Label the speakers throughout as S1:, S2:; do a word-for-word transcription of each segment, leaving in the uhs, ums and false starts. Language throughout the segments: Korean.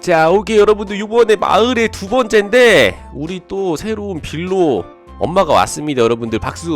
S1: 자, 오케이 여러분들, 이번에 마을의 두 번째인데 우리 또 새로운 빌로 엄마가 왔습니다. 여러분들 박수.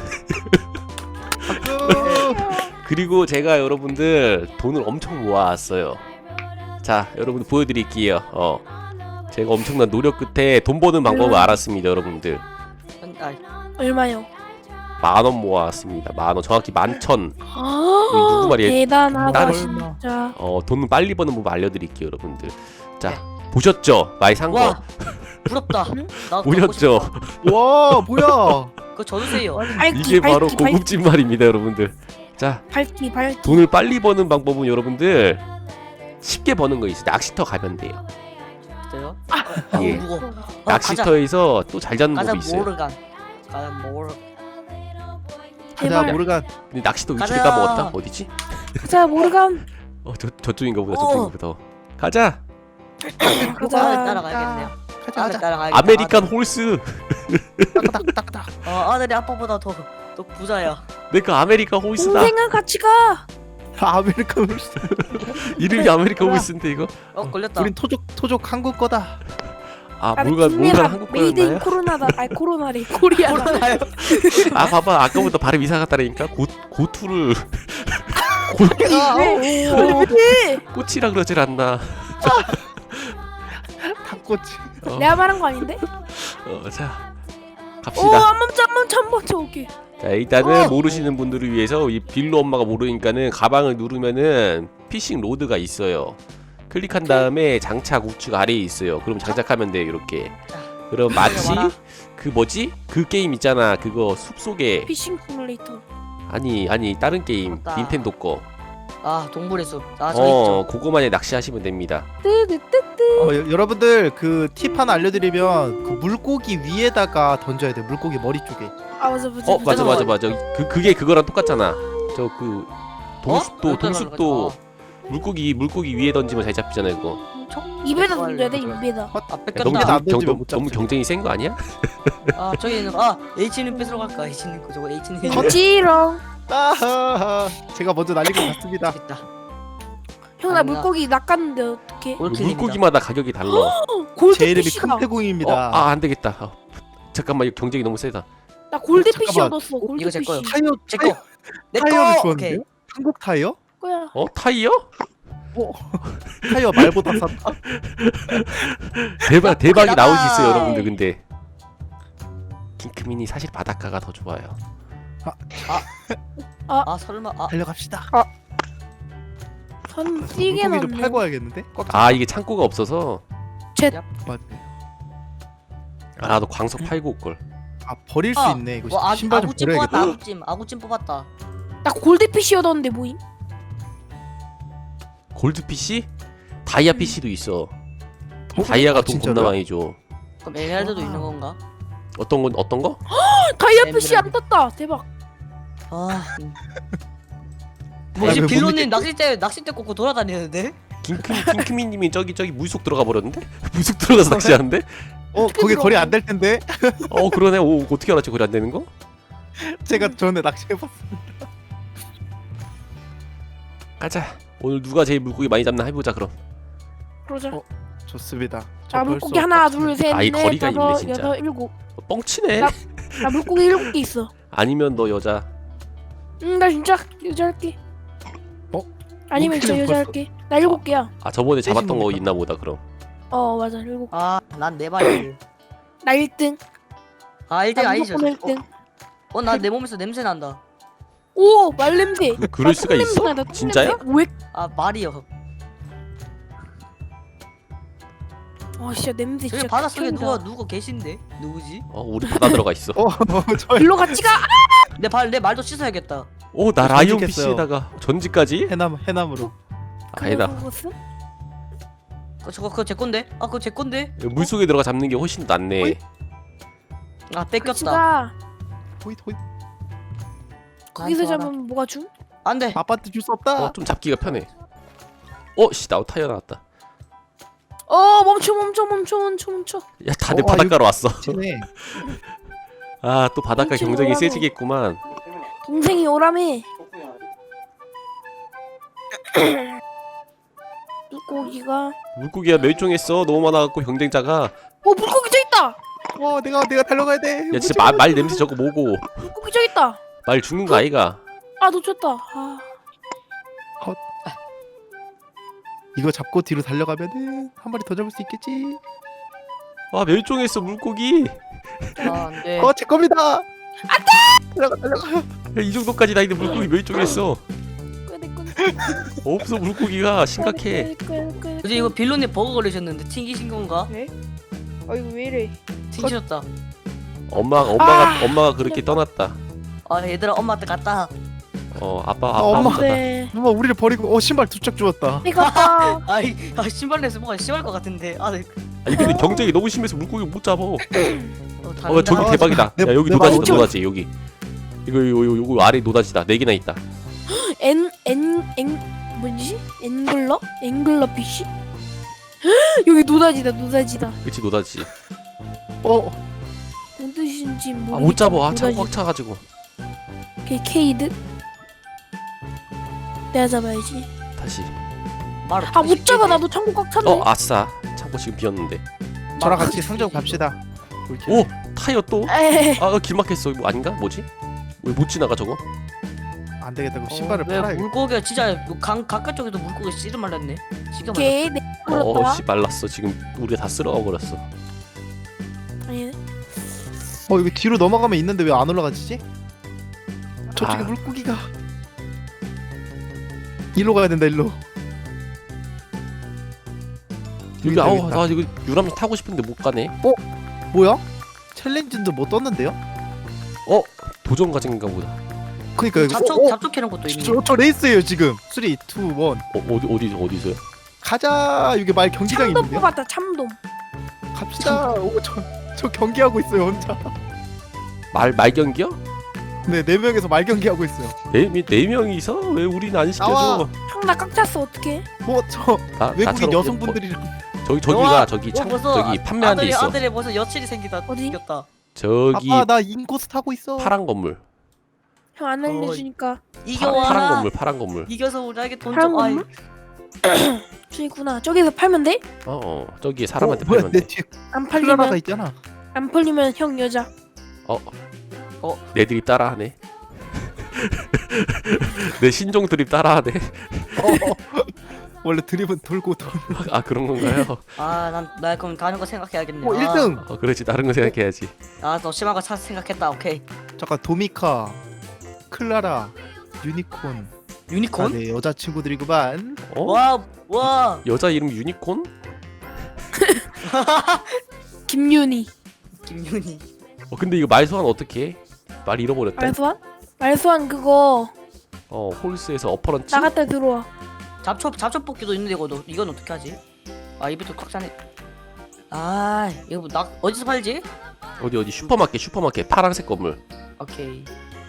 S1: 그리고 제가 여러분들 돈을 엄청 모아왔어요. 자, 여러분들 보여드릴게요. 어, 제가 엄청난 노력 끝에 돈 버는 방법을 알았습니다. 여러분들
S2: 얼마요?
S1: 만원 모아왔습니다. 만원, 정확히 만천.
S2: 아,
S1: 누구 말이에요?
S2: 대단하다
S1: 나는-
S2: 진짜.
S1: 어, 돈 빨리 버는 법 알려드릴게요. 여러분들. 자, 보셨죠? 많이 산 거.
S3: 와 부럽다. 나도
S1: 보셨죠?
S4: 와 뭐야?
S3: 그거 줘주세요.
S2: 밝기,
S1: 이게 바로
S2: 밝기,
S1: 고급진 말입니다. 여러분들. 자,
S2: 밝기 밝기.
S1: 돈을 빨리 버는 방법은 여러분들 쉽게 버는 거 있어요. 낚시터 가면 돼요.
S3: 진짜요?
S1: 예.
S3: 무거. 어,
S1: 낚시터에서 또 잘 잡는
S3: 가자
S1: 법이 있어요.
S3: 모르간. 가자 모르.
S4: 가자
S2: 제발.
S4: 모르간.
S1: 근데 낚시터 위치를
S3: 가자.
S1: 까먹었다. 어디지?
S2: 자 모르간.
S1: 어, 저 저쪽인가 보다.
S3: 어.
S1: 저쪽인가 보다. 가자.
S3: 가자.
S2: 가자.
S3: 따라가야겠네요.
S4: 가자
S3: 아들
S4: 가자.
S3: 따라가야겠다.
S1: 아메리칸 홀스.
S4: 딱딱딱딱.
S3: 아들. 어 아들이 아빠보다 더 더 부자야.
S1: 내가 아메리칸 홀스다.
S2: 동생아 같이 가.
S4: 아메리칸 홀스.
S1: 이름이 아메리칸 홀스인데 이거.
S3: 어 걸렸다.
S4: 우린 토족 토족 한국 거다.
S1: 아,
S2: 나는
S1: 뭘가
S2: 김내가
S1: 뭘가 한국
S2: 메이드 인
S1: 거였나요?
S2: 코로나다. 아니 코로나래. 코리아다.
S3: 코로나요?
S1: 아, 봐봐. 아까부터 발음 이상하다니까. 고 고투를
S3: 아,
S2: 왜?
S3: 오.
S2: 왜?
S1: 꽃이라 그러질 않나.
S4: 닭꼬치.
S1: 어,
S2: 내가 말한 거 아닌데?
S1: 어, 자,
S2: 오,
S1: 갑시다.
S2: 한 번째 한 번째 한 번째 오케이.
S1: 자, 일단은
S3: 어!
S1: 모르시는 분들을 위해서 이 빌로 엄마가 모르니까는 가방을 누르면은 피싱 로드가 있어요. 클릭한 다음에 장착 우측 아래에 있어요. 그럼 장착하면 돼요. 이렇게. 그럼 마치
S3: 와라.
S1: 그 뭐지? 그 게임 있잖아. 그거 숲속에
S2: 피싱 시뮬레이터.
S1: 아니 아니 다른 게임
S3: 맞다.
S1: 닌텐도 거.
S3: 아 동물의 숲. 아저
S1: 어,
S3: 있죠.
S1: 그거만에 낚시하시면 됩니다.
S2: 뜨뜨뜨뜨.
S4: 어, 여, 여러분들 그 팁 하나 알려드리면 그 물고기 위에다가 던져야 돼. 물고기 머리 쪽에.
S2: 아 맞아 맞아.
S1: 어, 맞아 맞아
S3: 맞아.
S1: 맞아. 그 그게 그거랑 똑같잖아. 저 그 동숲도
S3: 어?
S1: 동숲도 물고기 물고기 위에 던지면 잘 잡히잖아요, 그거.
S2: 입에다 던져야 돼 입에다.
S3: 아
S1: 너무
S3: 뺏겼다.
S4: 경- 안 던지면
S1: 경,
S4: 못
S1: 너무
S4: 잡지.
S1: 경쟁이 센 거 아니야?
S3: 아 저기 있는 아 H님 뺏으러 갈까? H님 거 저거 H님.
S2: 거지롱.
S4: 아하하. 제가 먼저 날리고 갔습니다.
S3: 있다.
S2: 형 나
S3: 아니야.
S2: 물고기 낚았는데 어떡해?
S3: 올킬입니다.
S1: 물고기마다 가격이 달라.
S4: 제 이름이
S2: 골드피쉬다.
S4: 큰 태공입니다.
S1: 어, 아, 안 되겠다. 어, 잠깐만, 이거 경쟁이 너무 세다.
S2: 나 골드피쉬
S4: 잠깐만.
S2: 얻었어.
S3: 이거 제 거요.
S2: 골드피쉬.
S4: 타이어
S3: 제 거. 내
S4: 타이어를
S3: 거. 오케이.
S4: 주었는데요? 한국 타이어?
S2: 거야.
S1: 어, 타이어?
S4: 타이어 말보다 쌌다.
S1: 대박, 대박이
S3: 나가.
S1: 나올 수 있어요, 여러분들. 근데 킹크민이 사실 바닷가가 더 좋아요.
S3: 아 설마 아
S4: 달려갑시다.
S2: 선 뛰게
S4: 물고기 좀
S2: 났네.
S4: 팔고 와야겠는데? 꽉
S1: 아, 이게 창고가 없어서.
S4: 맞네.
S1: 아, 나도 광석 팔고 올 걸.
S4: 아 버릴 수
S3: 아,
S4: 있네. 이거
S3: 뭐 아,
S4: 신발 좀
S3: 아구찜 뽑았다.
S4: 버려야겠다.
S3: 아구찜 아구찜 뽑았다.
S2: 나 골드피쉬 얻었는데 뭐임?
S1: 골드 피씨? 다이아 피씨도 있어.
S4: 어?
S1: 다이아가
S4: 아,
S1: 돈
S4: 진짜로요?
S1: 겁나 많이 줘.
S3: 그럼 에메랄드도
S2: 와.
S3: 있는 건가?
S1: 어떤 건 어떤 거?
S2: 다이아피쉬 안 떴다. 대박.
S3: 아.
S4: 야,
S3: 뭐지
S4: 왜
S3: 빌로님 낚싯대 낚싯대 꽂고 돌아다니는데?
S1: 킹크 킹크민님이 저기 저기 물속 들어가 버렸는데? 물속 들어가서 낚시하는데?
S4: 어 거기 거리 안 될 텐데.
S1: 어, 그러네. 오, 어떻게 알았지? 거리 안 되는 거?
S4: 제가 전에 낚시해봤어.
S1: 가자. 오늘 누가 제일 물고기 많이 잡나 해보자 그럼.
S2: 그러자.
S4: 어, 좋습니다. 저
S2: 나
S4: 벌써
S2: 물고기 하나,
S4: 빡치네.
S2: 둘, 셋,
S1: 아, 이
S2: 넷,
S1: 거리가 있네,
S2: 다섯,
S1: 진짜.
S2: 여섯, 일곱.
S1: 어, 뻥치네.
S2: 나- 나 물고기 일곱 개 있어.
S1: 아니면 너 여자.
S2: 응, 나 진짜 여자 할게.
S4: 어?
S2: 아니면 진짜
S4: 물고기는
S2: 여자
S4: 벌써-
S2: 할게. 나 일곱 개야.
S1: 아, 저번에 잡았던 거
S4: 셋입니까?
S1: 있나 보다 그럼.
S2: 어, 맞아. 일곱 개.
S3: 아난 네 마리.
S2: 나 일 등.
S3: 아 일 등
S2: 나
S3: 아니죠?
S2: 무조건 일 등.
S3: 어나 내 몸에서 냄새 난다.
S2: 오, 말냄새.
S1: 그럴 수가 있어?
S2: 나 똥냄새.
S1: 진짜야?
S2: 왜?
S3: 아 말이요.
S2: 아, 진짜 냄새
S3: 저기
S2: 진짜.
S3: 바닷속에
S2: 극혐이다.
S3: 누가 누가 계신데? 누구지?
S1: 어, 우리 바다 들어가 있어.
S4: 어, 저
S2: 일로 같이 가.
S3: 내 발 내 말도 씻어야겠다.
S1: 오, 나 라이온
S4: 전직했어요.
S1: 피씨에다가 전지까지?
S4: 해남 해남으로.
S1: 아니다.
S2: 그것은?
S3: 어, 저거 그거 제 건데? 아 그거 제 건데?
S1: 물속에 들어가 잡는 게 훨씬 낫네.
S4: 어이?
S3: 아
S2: 같이
S3: 뺏겼다.
S2: 가.
S4: 호잇 호잇.
S2: 거기서
S3: 나한테 와라.
S2: 잡으면 뭐가 줌?
S3: 안돼.
S4: 아빠한테 줄 수 없다.
S1: 어, 좀 잡기가 편해. 어, 씨, 나 타이어 나왔다.
S2: 어, 멈춰, 멈춰, 멈춰, 멈춰, 멈춰.
S1: 야, 다들
S4: 어, 아,
S1: 바닷가로 왔어.
S4: 치네.
S1: 아, 또 바닷가
S2: 멈추고
S1: 경쟁이
S2: 오라고.
S1: 세지겠구만.
S2: 동생이 오라며. 물고기가.
S1: 물고기가 멸종했어. 너무 많아갖고 경쟁자가.
S2: 어 물고기 저 있다.
S4: 어 내가 내가 달려가야 돼.
S1: 야 진짜 말, 말 냄새 저거 뭐고?
S2: 물고기 저 있다.
S1: 말 죽는 거 아이가?
S2: 아 놓쳤다. 아.
S4: 이거 잡고 뒤로 달려가면은 한 마리 더 잡을 수 있겠지.
S1: 아 멸종했어 물고기.
S3: 아 안돼.
S4: 어 제 겁니다. 안돼. 달려가 달려가.
S1: 야, 이 정도까지 나이데 물고기 멸종했어.
S2: 끄네 끄네.
S1: 없어 물고기가 심각해.
S3: 어제 이거 빌런님 버거 걸리셨는데 튕기신 건가?
S2: 네? 아 이거 왜 이래?
S3: 튕기셨다.
S1: 엄마 엄마가
S2: 아.
S1: 엄마가 그렇게 떠났다.
S3: 아 얘들아 엄마한테 갔다.
S1: 어 아빠 아빠
S4: 어, 엄마.
S1: 혼자다.
S2: 네.
S4: 엄마 우리를 버리고 어 신발 두 짝 주웠다.
S2: 이거 봐.
S3: 아이 아 신발 내서 뭐가 심할 것 같은데. 아 네.
S1: 아니 근데 경쟁이 너무 심해서 물고기 못 잡아. 어
S3: 어, 다른다.
S1: 저기
S4: 아,
S1: 대박이다.
S4: 내-
S1: 야 여기
S4: 내
S1: 노다지다
S4: 마음
S1: 노다지 여기. 이거 이거 이거, 이거 아래 노다지다. 네 개나 있다.
S2: 엔엔엔 뭐지? 앵글러? 앵글러 피쉬? 여기 노다지다 노다지다.
S1: 그치 노다지.
S4: 어
S2: 뭔 뜻인지
S1: 아
S2: 모르겠다.
S1: 못 잡아. 아, 창
S2: 노다지.
S1: 꽉 차가지고.
S2: 걔 케이드? 내가 잡아야지.
S1: 다시.
S3: 말을
S2: 아 못 잡아 나도 창고 꽉 찼네.
S1: 어 아싸. 창고 지금 비었는데.
S4: 저랑 같이 상점 갑시다. 이렇게.
S1: 오 타이어 또.
S2: 에이.
S1: 아 길막했어. 이거 아닌가? 뭐지? 왜 못 지나가 저거?
S4: 안 되겠다. 그
S3: 어,
S4: 신발을
S3: 왜
S4: 팔아야겠다.
S3: 물고기가 진짜 뭐 강 가까 쪽에도 물고기 씨를 말랐네. 시가 말랐.
S2: 걔 내.
S1: 어
S2: 물었다.
S1: 씨 말랐어. 지금 우리가 다 쓸어가 버렸어.
S2: 아니
S4: 어 이거 뒤로 넘어가면 있는데 왜 안 올라가지지? 저쪽에
S1: 아.
S4: 물고기가. 일로 가야 된다 일로.
S1: 여기
S4: 여기다,
S1: 아우
S4: 여기다.
S1: 나 이거 유람선 타고 싶은데 못 가네.
S4: 뭐야? 챌린지도 못 떴는데요?
S1: 어 도전 과정인가 보다.
S4: 그니까 이거
S3: 잡초
S4: 어, 어,
S3: 잡초 캐는 것도 있네.
S4: 저, 저 레이스예요 지금. 삼, 이, 일.
S1: 어 어디 어디 어디서요?
S4: 가자. 여기 말 경기장이
S2: 참돔
S4: 있는데요?
S2: 뽑았다 참돔.
S4: 갑시다. 오, 저, 저 경기하고 있어요 혼자.
S1: 말 말경기요?
S4: 네, 네 명에서 말 경기하고 있어요.
S1: 네, 미- 네 명이서 왜 우리는 안
S4: 나와.
S1: 시켜줘?
S2: 형나 꽉 찼어 어떡해?
S4: 뭐 저
S1: 나,
S4: 외국인
S1: 나처럼
S4: 여성분들이랑
S1: 어, 저기 저기가
S3: 우와,
S1: 저기
S3: 어,
S1: 창
S3: 벌써
S1: 저기 판매한 데
S3: 아들이,
S1: 있어.
S3: 아들이 벌써 여친이 생기다.
S2: 어디?
S3: 생겼다.
S1: 저기
S4: 아빠 나 인코스 타고 있어.
S1: 파란 건물.
S2: 형 안 알려주니까.
S1: 파,
S3: 이겨와.
S1: 파란 건물 파란 건물.
S3: 이겨서 우리에게 돈
S2: 파란
S3: 좀. 아이.
S2: 건물? 저기구나. 저기서 팔면 돼?
S1: 어, 어 저기 사람한테
S4: 어, 뭐야
S1: 팔면
S4: 내
S1: 돼.
S4: 뒤에
S2: 안
S4: 클라라가
S2: 팔리면
S4: 있잖아.
S2: 안 팔리면 형 여자.
S1: 내 드립 따라하네. 내 신종 드립 따라하네.
S4: 어, 원래 드립은 돌고 돌.
S1: 아 그런 건가요?
S3: 아난나 그럼 다른 거 생각해야겠네.
S4: 어, 일 등.
S1: 어 그렇지 다른 거 생각해야지.
S3: 아더 심한 거 찾 생각했다. 오케이.
S4: 잠깐 도미카, 클라라, 유니콘.
S3: 유니콘?
S4: 아, 네 여자친구들이구만.
S1: 어?
S3: 와 와.
S1: 여자 이름 유니콘?
S2: 김윤희.
S3: 김윤희.
S1: 어 근데 이거 말 소환 어떻게 해? 말 잃어버렸다.
S2: 말소환? 말소환 그거
S1: 어 홀스에서 어퍼런치?
S2: 나갔다 들어와.
S3: 잡초 잡초 뽑기도 있는데 이거 너, 이건 어떻게 하지? 아 입이 꽉 차네. 아 이거 뭐 나 어디서 팔지?
S1: 어디 어디 슈퍼마켓 슈퍼마켓 파란색 건물.
S3: 오케이.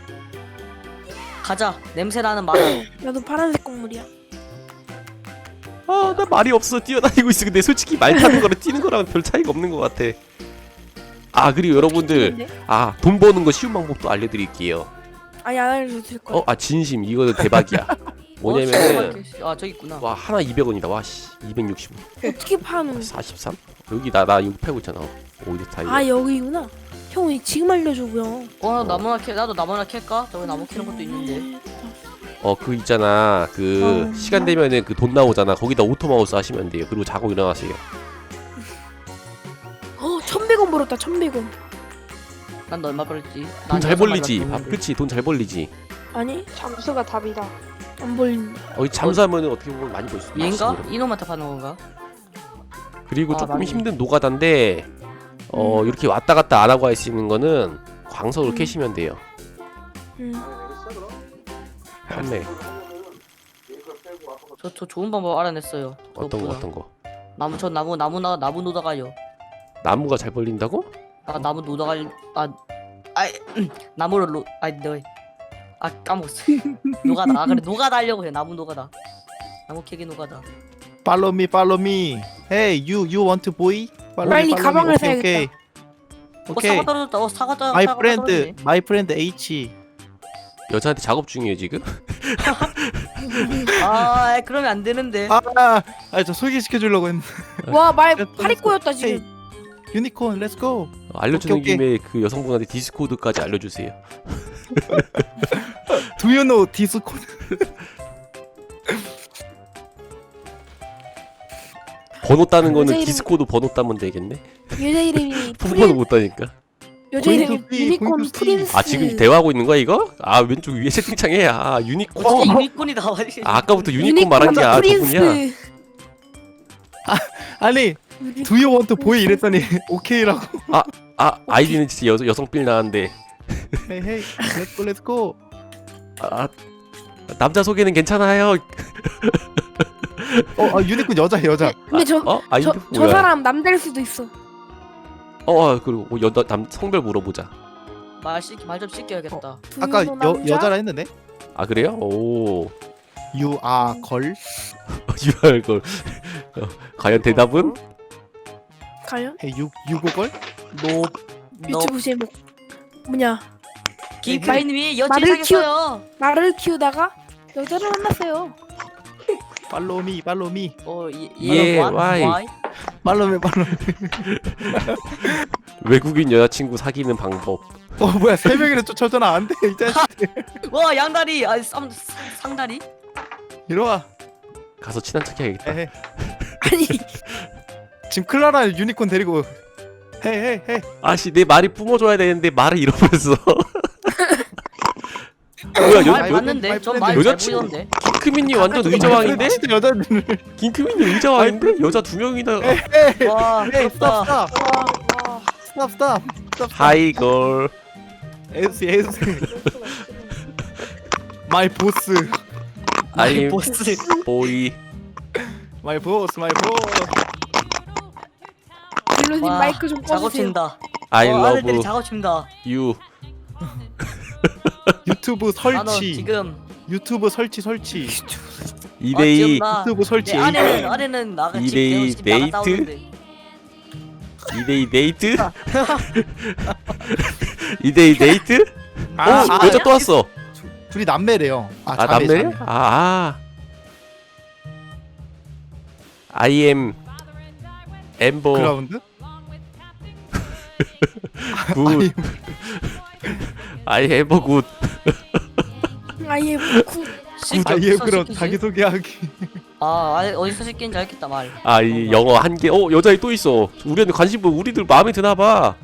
S3: 가자. 냄새 나는 말.
S2: 나도 파란색 곡물이야.
S1: 아 나 말이 없어 뛰어다니고 있어. 근데 솔직히 말 타는 거랑 뛰는 거랑 별 차이가 없는 것 같아. 아 그리고 여러분들 아 돈 버는 거 쉬운 방법도 알려드릴게요.
S2: 아니 안 알려줄 거야.
S1: 어 아 진심 이거 대박이야. 뭐냐면은
S3: 어, 아 저기 있구나.
S1: 와 하나 이백 원이다. 와씨 이백육십 원.
S2: 어떻게 파는?
S1: 사십삼? 여기 나 나 이거 팔고 있잖아. 오이드 타이어.
S2: 아 여기구나. 형이 지금 알려주고요.
S3: 어 나무나 캐 나도 나무나 캘까? 저기 나무 캐는 것도 있는데.
S1: 어 그 있잖아 그
S2: 어.
S1: 시간 되면은 그 돈 나오잖아. 거기다 오토마우스 하시면 돼요. 그리고 자고 일어나세요.
S2: 어 천백 원 벌었다 천백 원.
S3: 난 너 얼마 벌지?
S1: 돈 잘 벌리지. 아, 그치 돈 잘 벌리지.
S2: 아니
S5: 잠수가 답이다.
S2: 안 벌린다.
S1: 어 잠수하면은 어떻게 보면 많이 벌 수 있어.
S3: 얘인가? 이놈한테 파는 건가?
S1: 그리고
S3: 아,
S1: 조금
S3: 맞네.
S1: 힘든 노가다인데 어
S2: 음.
S1: 이렇게 왔다 갔다 안 하고 할 수 있는 거는 광석으로
S2: 음.
S1: 캐시면 돼요.
S2: 음.
S1: 판매
S3: 저, 저 좋은 방법 알아냈어요.
S1: 어떤 거
S3: 그것보다.
S1: 어떤 거.
S3: 나무 저 나무 나무 나 나무 노다가요.
S1: 나무가 잘 벌린다고?
S3: 아 나무 노다갈 아 아이 음, 나무를 노 아이 너. 아 까먹었어. 노가다. 아 그래 노가다 하려고 해. 나무 노가다. 나무 캐기 노가다.
S4: Follow me, follow me. Hey, you, you want to boy? Follow
S2: 빨리
S4: me, follow
S2: 가방을
S4: me. 오케이,
S2: 사야겠다.
S3: 어
S4: 오케이.
S3: 사과 떨어졌다. 어 사과 떨어.
S4: My
S3: 사과가
S4: friend,
S3: 떨어지네.
S4: my friend H.
S1: 여자한테 작업 중이에요 지금?
S3: 아 그러면 안 되는데.
S4: 아아저 소개시켜 주려고 했는데.
S2: 와말
S4: 됐어,
S2: 팔이
S4: 됐어.
S2: 꼬였다
S4: 헤이,
S2: 지금.
S4: 유니콘 렛츠고.
S1: 어, 알려주는
S4: 오케이,
S1: 김에 그 여성분한테 디스코드까지 알려주세요.
S4: Do you know 디스코드?
S1: 번호 따는 거는
S2: 여자 이름-
S1: 디스코드 번호 따면 되겠네.
S2: 여자 이름이
S1: 폰번호
S2: 프린
S1: 못 따니까.
S2: 여자 이름이
S4: 포인트 C,
S2: 유니콘
S4: 포인트 C.
S2: 프린스.
S1: 아 지금 대화하고 있는 거야 이거? 아 왼쪽 위에 채팅창에 아 유니콘.
S3: 어떻게 유니콘이 나와?
S1: 아, 아까부터 유니콘 말한 게 아 저분이야.
S2: 프린스.
S4: 아니
S2: 유니-
S4: Do you want to boy 이랬더니 오케이라고.
S1: 아 아이디는 진짜 여, 여성빌 나왔는데.
S4: 헤이 헤이 렛츠고 렛츠고.
S1: 아 남자 소개는 괜찮아요.
S4: 어 아, 유니콘 여자 여자.
S2: 근데 저
S1: 어 아이디
S2: 저, 저
S1: 뭐야?
S2: 사람 남자일 수도 있어.
S1: 어, 어 그리고 뭐 여자 남 성별 물어보자.
S3: 말씨말좀 씻겨야겠다.
S4: 아까
S2: 두
S4: 여
S2: 남자?
S4: 여자라 했는데.
S1: 아 그래요? 오
S4: You are 걸.
S1: 유알 걸. 어, 과연 대답은?
S2: 과연
S4: 헤이 유 유고걸.
S3: 노. 노.
S2: 유튜브 제목 뭐냐?
S3: 김파이님이 여친
S2: 말을
S3: 사귀었어요.
S2: 말을 키우다가 여자를 만났어요.
S4: 팔로미 팔로미
S3: 어, 예,
S1: 예,
S3: what?
S1: why?
S3: Why?
S4: 팔로미 팔로미.
S1: 외국인 여자친구 사귀는 방법.
S4: 어 뭐야 세 명이나 쫓아오잖아. 안돼 이 자식.
S3: 와 양다리, 아 쌍, 상다리?
S4: 이리와.
S1: 가서 친한 척 해야겠다.
S4: 헤이 헤이.
S2: 아니
S4: 지금 클라라 유니콘 데리고. 헤이 헤이 헤이.
S1: 아씨 내 말이 뿜어줘야 되는데 말을 잃어버렸어. 뭐야
S3: 말
S1: 여,
S4: 여-
S1: 여,
S3: 맞는데? 전말
S1: 여자친구-
S3: 잘 보이던데?
S1: 김크민님 완전 의자왕인데?
S4: 진짜 여자들.
S1: 김크민님 의자왕인데? 여자 두 명이나.
S3: 와
S4: 헤이 스탑
S3: 부럽다.
S4: 스탑 스탑 스탑 스탑.
S1: 하이 걸.
S4: 에스 에스. 마이 보스.
S1: 아임
S3: 보스.
S1: 보이.
S4: 마이 보스 마이 보스.
S2: 빌로님
S3: 와,
S2: 마이크 좀
S3: 작업
S2: 꺼주세요.
S3: 친다.
S1: I
S3: 어, 아들들이
S1: love
S3: 작업 친다.
S1: you.
S4: 유튜브
S3: 나는
S4: 설치.
S3: 지금
S4: 유튜브 설치 설치.
S1: 이
S3: 어,
S1: 대이
S3: 지금 나-
S4: 유튜브 설치.
S3: 내 아내는 아내는 나가
S1: 이
S3: 지금
S1: 데이
S3: 지금 나갔다
S1: 데이트?
S3: 오는데.
S1: 이 대이 데이트? 이 대이 데이트?
S4: 아,
S1: 오
S4: 아,
S1: 여자 또 왔어.
S4: 둘이 남매래요. 아,
S1: 아
S4: 자매,
S1: 남매래?
S4: 자매.
S1: 아 아. I am 엠버
S4: 그라운드?
S1: 굿. I am a good.
S2: 아예 구
S3: 씻겨,
S4: 아예
S3: 어디서
S4: 그럼
S3: 씻기지?
S4: 자기 소개하기.
S3: 아 아예 어디서 씻긴지 알겠다 말.
S1: 아 이 영어 한 개. 어 여자애 또 있어. 우리한테 관심 뭐 우리들 마음에 드나 봐.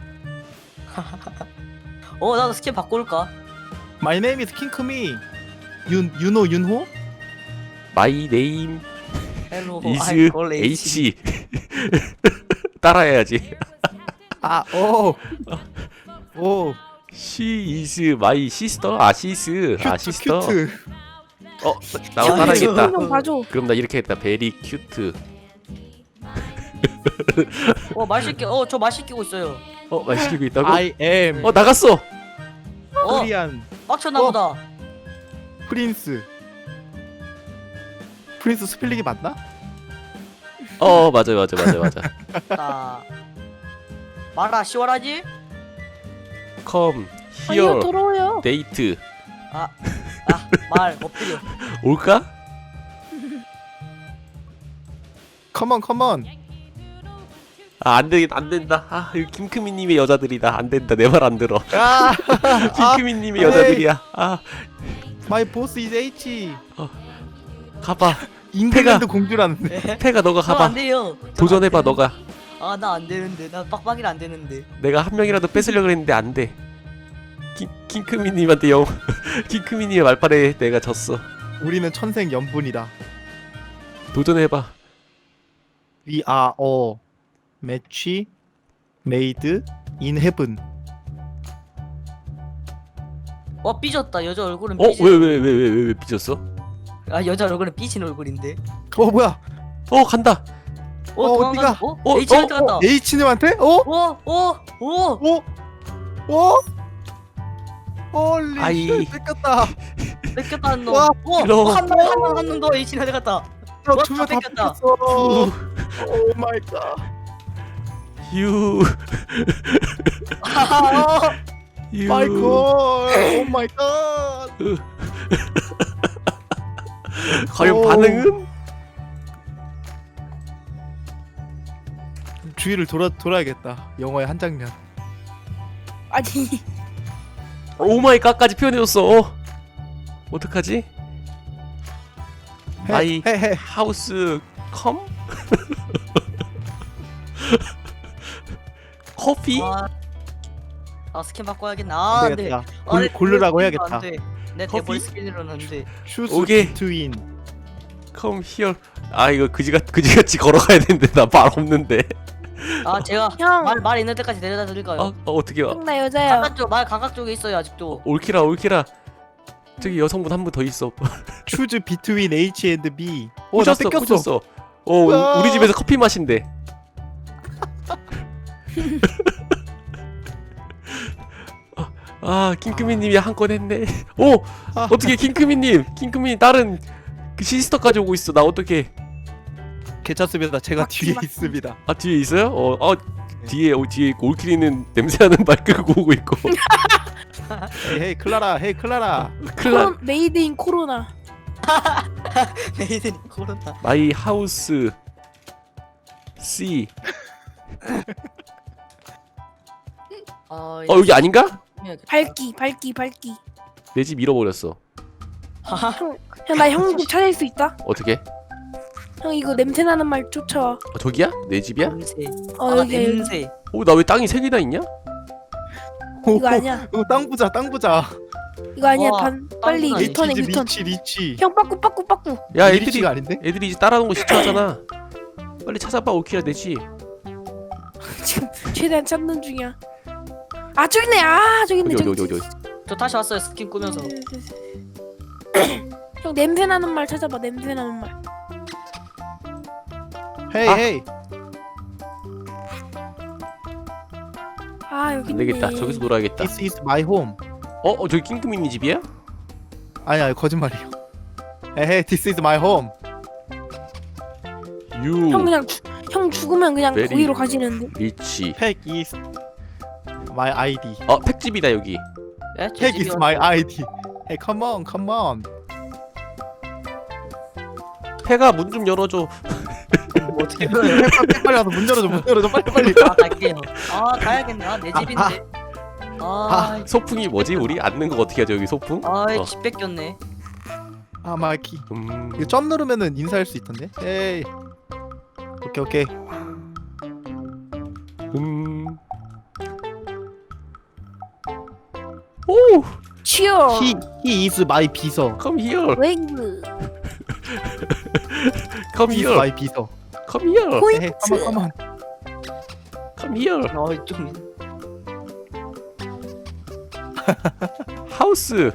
S3: 어 나도 스킨 바꿀까?
S4: My name is 킹크미. 윤 윤호 윤호?
S1: My name
S3: 헬로
S1: is
S3: 알콜
S1: H. 따라해야지.
S4: 아, 오. 오.
S1: She is my sister. 아 시스. 아
S4: 큐트
S1: 시스터.
S4: 큐트.
S1: 어 나도
S3: 야,
S1: 따라하겠다.
S2: 좀 봐줘.
S1: 그럼 나 이렇게 했다. 베리 큐트.
S3: 어말 씻겨. 어저 말 씻기고 있어요.
S1: 어 맛있게 있다고?
S4: I am
S1: 어 나갔어.
S3: 어
S4: 코리안
S3: 빡쳤나
S4: 어.
S3: 보다.
S4: 프린스. 프린스 스펠링이 맞나?
S1: 어 맞아 맞아 맞아 맞아.
S3: 나 말아 시원하지?
S1: Come
S2: 아니요
S1: here.
S2: 더러워요.
S1: 데이트.
S3: 아말 엎드려.
S1: 올까?
S4: 컴온 컴온.
S1: 아 안되겠다 안된다. 아 이거 김크미님의 여자들이다. 안된다 내 말 안 들어.
S4: 아,
S1: 김크미님의
S4: 아,
S1: 여자들이야. 아
S4: my boss is H.
S1: 가봐.
S4: 잉글랜드 공주라는데.
S1: 태가 너가
S3: 저안
S1: 가봐.
S3: 돼요.
S1: 도전해봐 너가.
S3: 아나 안 되는데 나 빡빡이라 안 되는데.
S1: 내가 한 명이라도 뺏으려고 했는데 안돼. 킹크미님한테 영 킹크미님의 말빨에 내가 졌어.
S4: 우리는 천생 연분이다.
S1: 도전해봐.
S4: We are a match made in heaven.
S3: 어 삐졌다. 여자 얼굴은
S1: 어?
S3: 삐진.
S1: 왜 왜 왜 왜 왜 왜 삐졌어?
S3: 아 여자 얼굴은 삐진 얼굴인데.
S4: 어 뭐야?
S1: 어 간다.
S3: 어
S4: 어,
S3: 도망가.
S4: 어디가?
S3: 어?
S1: 어,
S3: H한테
S1: 어,
S3: 갔다.
S4: H님한테? 어?
S3: 오! 오! 오!
S4: 어? 어? 홀리
S1: 아이.
S4: 쉣, 뺏겼다.
S3: 뺏겼다는 놈.
S4: 와,
S3: 오!
S1: 길어.
S3: 어, 한 명, 한 명, 한 명 더 H한테 갔다.
S4: 어,
S3: 와,
S4: 두명
S3: 다
S4: 다
S3: 뺏겼다.
S4: 뺏겼어. 오 마이 갓.
S1: 유.
S3: 아,
S1: 유.
S4: 마이 갓. 오 마이 갓.
S1: 과연
S4: 오.
S1: 반응은?
S4: 주위를 돌아 돌아야겠다. 영화의 한 장면.
S2: 아니
S1: 오마이갓까지 표현해줬어. 어. 어떡하지? 마이
S4: 헤헤.
S1: 하우스 컴? 커피?
S3: 아, 아 스킨 바꿔야겠네. 아,
S4: 안
S3: 안 돼.
S4: 되겠다.
S3: 아,
S4: 골,
S3: 내
S4: 고르라고
S3: 대본
S4: 해야겠다.
S3: 안 돼. 내
S1: 커피?
S3: 대본 스킨으로는 안 돼.
S4: 슈스
S1: 오케이.
S4: 비트윈.
S1: 컴 히어. 아 이거 그지같 그지같이 걸어가야 되는데 나 말 없는데.
S3: 아 제가
S2: 형.
S3: 말 말 있는 데까지 데려다 드릴까요?
S1: 어, 어 어떻게 와?
S2: 형 나 여자야.
S3: 감각 쪽, 말 감각 쪽에 있어요 아직도.
S1: 올키라 올키라. 저기 여성분 한 분 더 있어.
S4: 슈즈 비트윈 H and B. 어, 나
S1: 꽂혔어
S4: 뺏겼어.
S1: 꽂혔어. 어
S4: 우와.
S1: 우리 집에서 커피 마신대. 아, 아 킹크미님이 한 건 했네. 오
S4: 아.
S1: 어떻게 킹크미님 킹크미 다른 그 시스터까지 오고 있어. 나 어떻게?
S4: 괜찮습니다. 제가
S2: 맞지,
S4: 뒤에
S2: 맞지.
S4: 있습니다.
S1: 아 뒤에 있어요? 어, 어 뒤에 어, 뒤에 있고 올키리는 냄새나는 말 끌고 오고 있고.
S4: 헤이 헤이 클라라. 헤이 클라라.
S1: 클라
S2: 코로, 메이드 인 코로나.
S3: 메이드니 코로나.
S1: 마이 하우스 C.
S3: 아,
S1: 어 여기 아닌가?
S2: 밝기 밝기 밝기.
S1: 내 집 잃어버렸어.
S2: 형 나 형 집 찾을 수 있다.
S1: 어떻게?
S2: 형 이거 냄새 나는 말 쫓아와.
S1: 어, 저기야? 내 집이야?
S3: 냄새.
S2: 어
S3: 아,
S2: 여기 여기.
S3: 냄새.
S1: 오 나 왜 땅이 세 개나 있냐?
S2: 이거 아니야.
S4: 이거 땅 부자. 땅 부자.
S2: 이거 아니야.
S3: 와,
S2: 반 빨리
S3: 땅콩
S2: 유턴해
S4: 리치
S2: 유턴.
S4: 리치 리치.
S2: 형 빠꾸 빠꾸 빠꾸.
S1: 야 애들이
S4: 리치가 아닌데?
S1: 애들이 이제 따라하는 거 시청하잖아. 빨리 찾아봐 올키라 내지.
S2: 지금 최대한 찾는 중이야. 아 저기 있네. 아 저기 있네.
S1: 어디
S2: 저기
S1: 어디 어디 어디.
S3: 저 다시 왔어요 스킨 꾸면서.
S2: 형 냄새 나는 말 찾아봐. 냄새 나는 말.
S4: 헤이
S1: 아.
S4: 헤이.
S2: 아 여기
S1: 안
S2: 있네.
S1: 되겠다. 저기서 놀아야겠다.
S4: This is my home.
S1: 어, 어 저기 킹크미니 집이야?
S4: 아니 아니 거짓말이에요. 헤이 this is my home.
S1: 유
S2: 형 그냥 주, 형 죽으면 그냥
S1: Very-
S2: 거기로 가지는데.
S1: 리치.
S4: 팩 is my 아이디.
S1: 어 팩집이다 여기.
S3: 예? 제
S4: 팩
S3: 집이
S4: is my 아이디. Hey come on come on.
S1: 폐가 문 좀 열어줘.
S3: 뭐 어떻게 그래?
S4: 빨리 빨리 와서 문 열어줘 문 열어줘 빨리 빨리.
S3: 아 갈게요. 아 가야겠네. 아, 내 집인데. 아,
S1: 소풍이 뭐지? 우리 앉는 거 어떻게 하죠 여기 소풍?
S3: 아,
S1: 어.
S3: 집 뺏겼네.
S4: 아 마이키.
S1: 음.
S4: 이거 점 누르면은 인사할 수 있던데. 에이. 오케이 오케이.
S1: 음. 오,
S2: 치어.
S4: He he is my 비서.
S1: come here,
S2: 웨이브.
S1: come
S4: He is
S1: here,
S4: my 비서.
S1: come here,
S4: 에이
S2: 포인트.
S4: come on come on.
S1: come here.
S3: 어, 좀
S1: 하우스.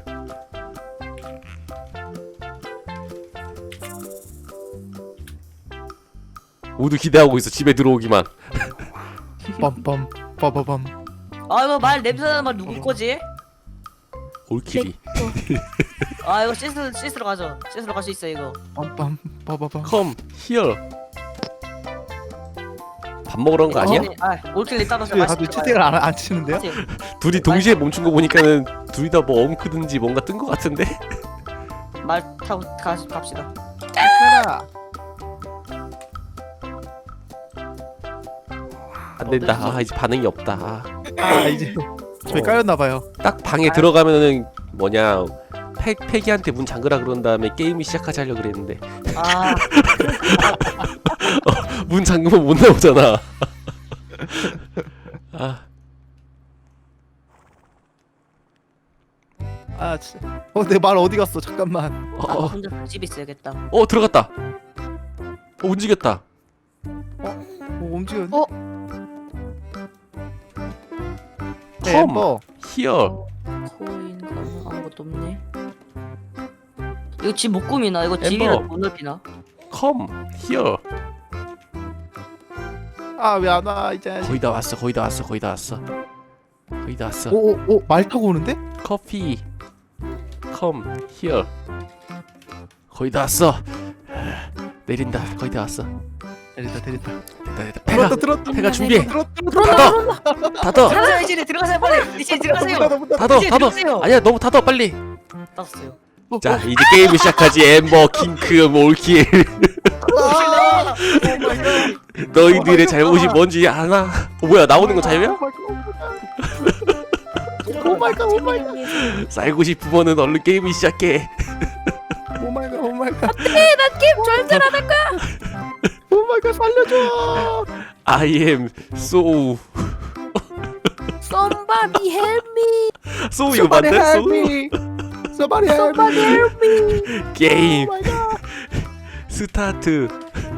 S1: 모두 기대하고 있어 집에 들어오기만.
S4: 빰빰 빠바밤.
S3: 아, 이거 말 냄새 나는 말 누구 거지?
S1: 올킬이.
S3: 아, 이거 시스 시스로 가죠. 시스로 갈 수 있어 이거.
S4: 빰빰 빠바밤.
S1: come here. 밥 먹으러 온 거 아니야?
S3: 아, 올킬리 따라서
S4: 왜 다들 채팅을 안, 안 치는데요?
S1: 둘이 동시에 멈춘 거 보니까는 둘이 다 뭐 엉크든지 뭔가 뜬 거 같은데?
S3: 말 타고 가, 갑시다.
S4: 카라.
S1: 안 된다. 아 이제 반응이 없다.
S4: 아 이제 저희
S1: 어.
S4: 까였나 봐요.
S1: 딱 방에 들어가면은 뭐냐 패, 패기한테 문 잠그라 그런 다음에 게임이 시작하자 하려고 그랬는데
S3: 아,
S1: 문 잠그면 못 나오잖아. 아,
S4: 아 진짜. 어내 말 어디 갔어? 잠깐만.
S1: 어,
S3: 나도
S1: 어,
S3: 혼자 그 집에 있어야겠다.
S1: 어 들어갔다. 어, 움직였다.
S4: 어 움직여.
S2: 어?
S4: 네, 엠버.
S1: Here.
S3: 코인 가는 아무것도 없네. 이거 집 못 꾸미나? 이거
S1: 엠버.
S3: 집이라도 못 넓히나?
S1: Come here.
S4: 아왜 안 와 이제.
S1: 거의 다 왔어. 거의 다 왔어. 거의 다 왔어. 거의 다 왔어.
S4: 오오오 말 타고 오는데?
S1: 커피. Come here. 거의 다 왔어. 내린다. 거의 다 왔어.
S4: 내린다 내린다.
S1: 됐다 됐다. 패가
S4: 들었다 들었다.
S1: 패가 준비해.
S4: 들었다
S2: 들어온다
S1: 닫아.
S2: 들어온다.
S1: 닫아.
S3: 들어가세요 이제 들어가세요 빨리. 이제 들어가세요.
S4: 들었다.
S1: 닫아.
S3: 이제
S1: 닫아.
S3: 들어가세요.
S1: 아니야 너무 닫아 빨리.
S3: 땄어요.
S1: 자 이제 게임을 시작하지. 엠버, 킹크, 몰킬.
S3: 아,
S1: 너희들의 잘못이 뭔지 아나? 어, 뭐야 나오는 건 자유야?
S4: 오마이갓 오마이갓
S1: 살고 싶으면은 얼른 게임을 시작해.
S4: 오마이갓 오마이갓
S2: 난 게임 절대 안 할 거야.
S4: 오마이갓 살려줘.
S1: I am so
S2: Somebody help me.
S1: so 이거 맞네? so
S4: Somebody help
S2: Somebody
S4: me.
S2: help me.
S1: 게임 스타트.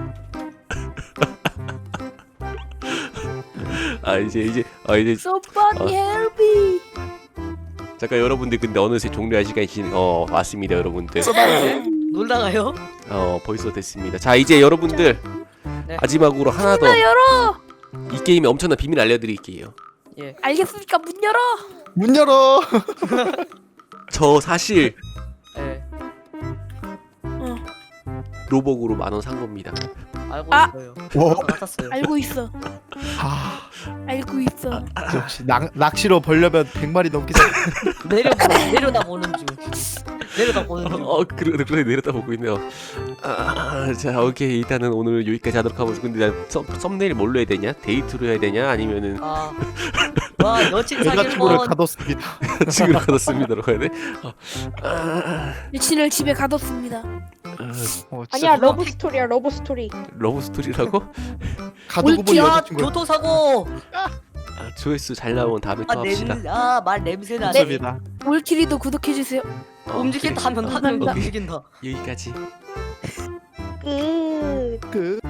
S1: 아 이제 이제 아 이제
S2: Somebody
S1: 어.
S2: help me.
S1: 잠깐 여러분들 근데 어느새 종료할 시간이 지- 어 왔습니다 여러분들.
S3: 놀다가요?
S1: 어 벌써 됐습니다. 자 이제 여러분들
S3: 네.
S1: 마지막으로 하나 더
S2: 문 열어.
S1: 이 게임의 엄청난 비밀 알려드릴게요.
S3: 예.
S2: 알겠으니까 문 열어.
S4: 문 열어.
S1: 저 사실
S3: 예.
S2: 어,
S1: 로벅으로 만 원 산 겁니다.
S3: 알고
S2: 아.
S3: 있어요.
S4: 와.
S3: 같았어요.
S2: 알고 있어.
S4: 아
S2: 알고 있어.
S4: 역시 낚, 낚시로 벌려면 백 마리 넘게 잡.
S3: 내려 내려다 보는 중. 내려다 보는 중.
S1: 어 그래 그래 내렸다 보고 있네요. 아, 자 오케이 일단은 오늘 여기까지 하도록 하고 근데 난 썸, 썸네일 뭘로 해야 되냐? 데이트로 해야 되냐? 아니면은
S3: 아. 와 여친 사귈
S4: 여자친구를
S3: 뻔.
S4: 가뒀습니다.
S1: 지금 받았습니다로 해야 돼? 어, 아,
S2: 여친을 집에 가뒀습니다.
S1: 아,
S4: 어, 진짜
S5: 아니야 러브 스토리야 러브 스토리.
S1: 러브 스토리라고?
S4: 가두고 본
S3: 야
S4: 여자친구.
S3: 교통사고.
S1: 아, 조회수 잘 나오면 다음에 또 합시다.
S3: 아냄아말 냄새 나네.
S4: 좋습니다.
S2: 올키리도 구독해주세요.
S1: 어,
S3: 움직인다
S1: 그래.
S3: 하면 하는 거
S2: 감사합니다.
S3: 움직인다.
S1: 여기까지.
S5: 끝.
S4: 그